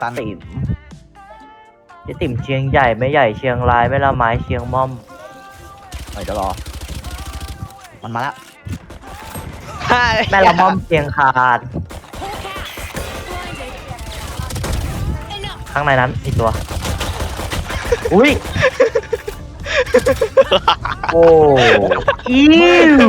ตันติ๋มเจ๊ติ๋มเชียงใหญ่ไม่ใหญ่เชียงรายไม่ละไม้เชียงม่อมเดี๋ยวรอมันมาแล้วแม่ละม่อมเชียงคานข้างในนั้นอีกตัว อุ้ย โอ้อิว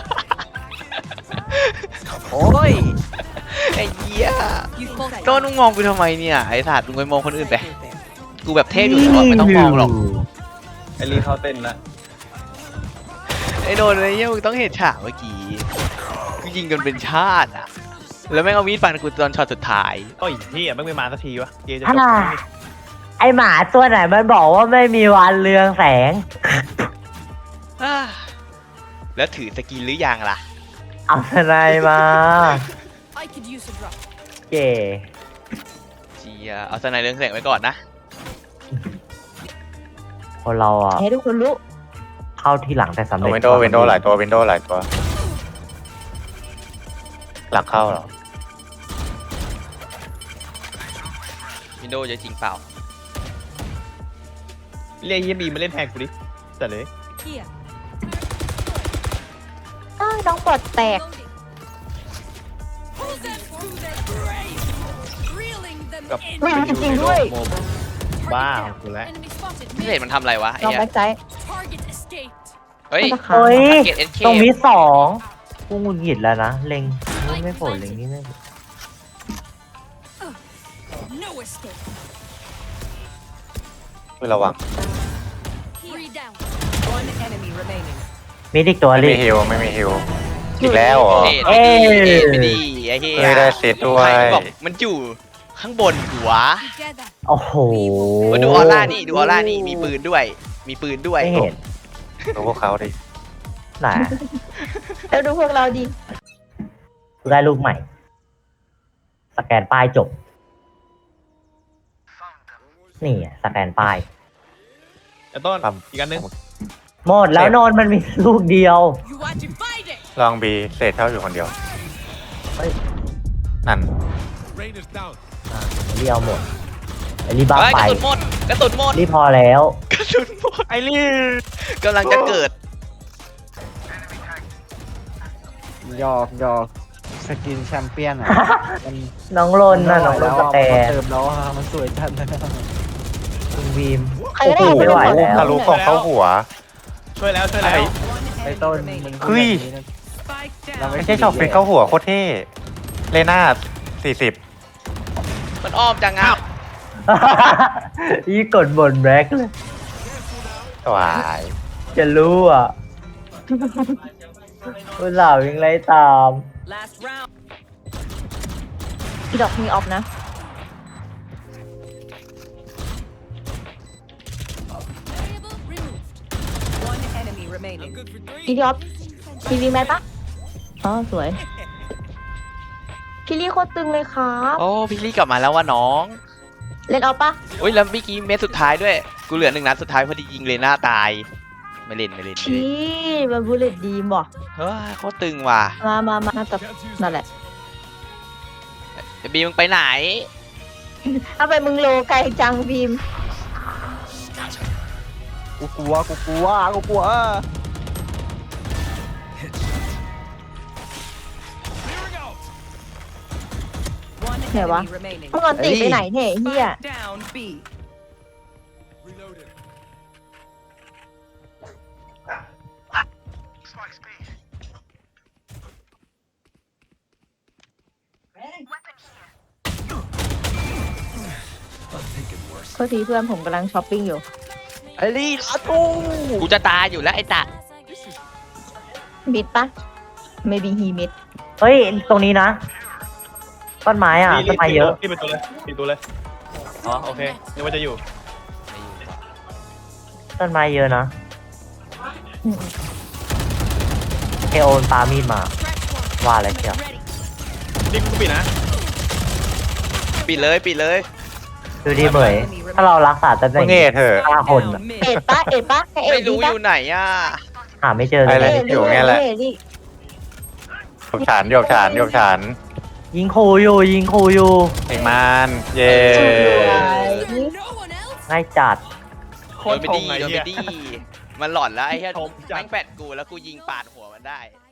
โอ้ยไอ้เหี้ยโดนมึงมองกูทำไมเนี่ยไอ้สัตว์มึงไปมองคนอื่นไปกูแบบเทพอยู่แล้วไม่ต้องมองหรอกไอรีเข้าเต้นละไอ้โดนไอ้เหี้ยมึงต้องเห็นฉากเมื่อกี้กูยิงกันเป็นชาติอ่ะแล้วแม่งเอามีดฟันกูตอนช็อตสุดท้ายโอ้ยที่ไม่มาสักทีวะเกมจะจอ่าบไอหมาตัวไหนมันบอกว่าไม่มีวันเรืองแสงอ่าแล้วถือสกินหรือยังล่ะเอาทนายมา I could use a drop. เก๋เชียเอาสไนเรื่องแสงไว้ก่อนนะคนเราอ่ะให้ทุกคนรู้เข้าที่หลังแต่สำเร็จวินโดว์วินโดว์หลายตัววินโดว์หลายตัว หลังเข้าเหรอวินโดว์จะจริงเปล่าเรียกยี่บีมาเล่นแทนกูดิแต่เลย Here. น้องปลดแตก Loading. Pull them through their grave. Reeling them กับ in. ไม่จริงๆด้วยโม Target บ้า down. ของกูแล้ว Enemy spotted. พิเศษมันทำอะไรวะไอ้น้องเหี้ยแบ็กไซด์ Target escaped. เฮ้ยมันจะขาเฮ้ยเกตเอ็นเคตรงนี้สองกูหงุดหงิดแล้วนะ เล็งนี่ไม่โผล่เล็งนี่ไม่โผล่ No escape. คือระวัง Three down. One enemy remaining. มีอีกตัวไม่ลิมีฮิวไม่มีฮิวอีกแล้วเหรอเอ็ดไปดีไอ้เหี้ยเฮ้ยได้เซตด้วยใครบอกมันอยู่ข้างบนหัว Together. โอ้โหมาดูออร่านี่ดูออร่านี่มีปืนด้วย มีปืนด้วยไม่เห็นดูพวกเขาดิไหนแล้วดูพวกเราดิกูได้ลูกใหม่ สแกนป้ายจบ นี่อะสแกนป้ายแต่ต้นอีกอันนึงหมดแล้วโนนมันมีลูกเดียว You are divided. ลองบีเศษเท่าอยู่คนเดียวเฮ้ยนั่นเรียวหมดไอรีบ้าเฮ้ยไปกระสุนหมดกระสุนหมดรีพอแล้วกระสุนหมดไอรีกำลังจะเกิดหยอกสกินแชมเปี้ยนอ่ะมันน้องลนน่ะน้องลนสแตนเติมแล้วอะมันสวยจัดเลยคุณบีมใครก็ได้โอ้โหไม่ไหวแล้วทะลุกล่องเข้าหัวช่วยแล้วช่วยแล้วไอ้ต้นมึงเฮ้ย Spike เรา down. ไม่ใช่ช็อปฟิกเข้าหัวโคตรเท่เลน่า40 มันอ้อมจังอ่ะยี่กดบนแบล็คเลยสวายจะรู้อ่ะคุณสาวยังไล่ตาม Last round. อีดอกมีออฟนะ Variable removed. One enemy remaining. อีดอกทีวีแมทปะอ๋อสวย พี่ลี่โคตรตึงเลยครับโอ้พี่ลี่กลับมาแล้วว่าน้องเล่นเอาปะอุ้ยแล้วเมื่อกี้เม็ดสุดท้ายด้วยกูเหลือ1 นัดสุดท้ายพอดียิงเลน่าตายไม่เล่นพี่มันบูเลตดีมบ่เฮ้ยโคตรตึงว่ะมาน่าจะนั่นแหละเดี๋ยวบีมึงไปไหนถ้าไปมึงโลไกลจังบีมกูกลัว One Yeah, enemy wa. remaining. มึงอันติไปไหนเนี่ยเฮีย Spike down B. โทษทีเพื่อนผมกำลังช้อปปิ้งอยู่ไอ้ลี่ลาตูกูจะตายอยู่แล้วไอ้ตะมิดปะ maybe he mid เฮ้ย ตรงนี้นะ ต้นไม้อ่ะ ต้นไม้เยอะที่เป็นตัวเลยปิดตัวเลยอ๋อโอเคนึกว่าจะอยู่ต้นไม้เยอะนะเอโอนปามีดมา ว่าอะไรเชียวนี่กูปิดนะปิดเลยดูดีเหมยถ้าเรารักษาตำแหมึน่งงเง่เถอะ 5 คนอะ Mid. เอ็ดปะให้เอ็ไม่ดดีรู้อปะยู่ไหนอ่ะหาไม่เจอเลไปยเลย อยู่ไงแหละเอ็ดดิโยบฉานยิงขู่อยู่ยิงขู่อยู่เองมันเย่สวย No one else. ง่ายจัดโคโดตนรไปชดีงไอ้โดนเหี้ไปยดีมันหลอนแล้วไอ้เหี้ยชมจัดแม่งแปดกูแล้วกูยิงปาดหัวมันได้